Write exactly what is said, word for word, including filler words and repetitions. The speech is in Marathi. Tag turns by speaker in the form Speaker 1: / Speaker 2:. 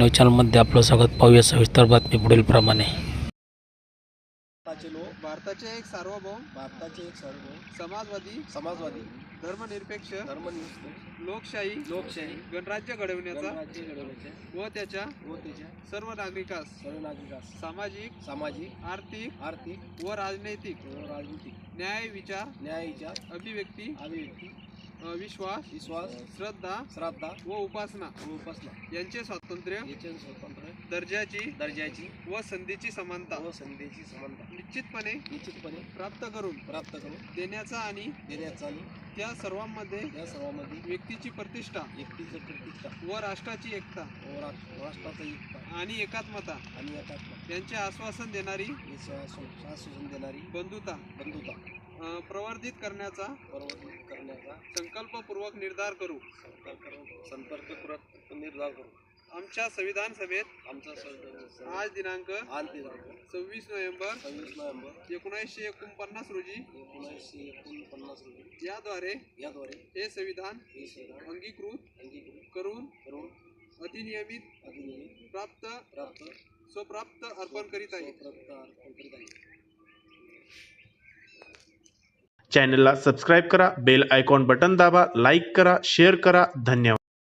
Speaker 1: न्यूज चॅनलमध्ये आपलं स्वागत. पाहूया सविस्तर बातमी पुढील प्रमाणे.
Speaker 2: भारताचे लोक
Speaker 3: भारताचे एक सार्वभौम
Speaker 2: भारताचे एक सार्वभौम
Speaker 3: समाजवादी
Speaker 2: समाजवादी
Speaker 3: धर्मनिरपेक्ष
Speaker 2: धर्मनिरपेक्ष
Speaker 3: लोकशाही
Speaker 2: लोकशाही
Speaker 3: गणराज्य घडविण्याचा
Speaker 2: राज्य घडवण्याचे
Speaker 3: व त्याच्या
Speaker 2: व त्याच्या
Speaker 3: सर्व नागरिकास
Speaker 2: सर्व नागरिकास
Speaker 3: सामाजिक
Speaker 2: सामाजिक
Speaker 3: आर्थिक
Speaker 2: आर्थिक
Speaker 3: व राजनैतिक
Speaker 2: व राजनीतिक
Speaker 3: न्याय विचार
Speaker 2: न्याय विचार
Speaker 3: अभिव्यक्ती
Speaker 2: अभिव्यक्ती
Speaker 3: अ, विश्वास
Speaker 2: विश्वास
Speaker 3: श्रद्धा
Speaker 2: श्रद्धा
Speaker 3: व उपासना
Speaker 2: व उपासना
Speaker 3: यांचे स्वातंत्र्य
Speaker 2: याचे स्वतंत्र
Speaker 3: दर्जाची
Speaker 2: दर्जाची
Speaker 3: व संधीची समानता
Speaker 2: व संधीची समानता
Speaker 3: निश्चितपणे
Speaker 2: निश्चितपणे
Speaker 3: प्राप्त करून
Speaker 2: प्राप्त करून
Speaker 3: देण्याचा आणि
Speaker 2: देण्याचा आणि
Speaker 3: त्या सर्वांमध्ये
Speaker 2: या सर्वांमध्ये
Speaker 3: व्यक्तीची प्रतिष्ठा
Speaker 2: व्यक्तीचं प्रतिष्ठा
Speaker 3: व राष्ट्राची एकता
Speaker 2: व राष्ट्र- राष्ट्राचा एकता
Speaker 3: आणि एकात्मता
Speaker 2: आणि एकात्मता
Speaker 3: यांचे आश्वासन देणारी
Speaker 2: हे शासन देणारी
Speaker 3: बंधुता
Speaker 2: बंधुता
Speaker 3: अ, प्रवर्धित करण्याचा
Speaker 2: प्रवर्तित करण्याचा
Speaker 3: संकल्पपूर्वक निर्धार करू.
Speaker 2: संपर्क करून संपर्कपूर्वक निर्धार करू.
Speaker 3: आमच्या संविधान सभेत
Speaker 2: आमचा स-
Speaker 3: आज दिनांक
Speaker 2: आज दिनांक
Speaker 3: सव्वीस नोव्हेंबर
Speaker 2: सव्वीस नोव्हेंबर
Speaker 3: एकोणीसशे एकोणपन्नास रोजी
Speaker 2: एकोणीसशे एकोणपन्नास रोजी
Speaker 3: याद्वारे
Speaker 2: याद्वारे
Speaker 3: हे संविधान
Speaker 2: हे संविधान
Speaker 3: अंगीकृत
Speaker 2: अंगीकृत
Speaker 3: करून
Speaker 2: करून
Speaker 3: अधिनियमित
Speaker 2: अधिनियमित
Speaker 3: प्राप्त
Speaker 2: प्राप्त
Speaker 3: स्वप्राप्त अर्पण करीत आहे.
Speaker 2: स्वप्राप्त अर्पण करीत आहे.
Speaker 4: चॅनलला सबस्क्राईब करा, बेल आयकॉन बटन दाबा, लाईक करा, शेअर करा. धन्यवाद.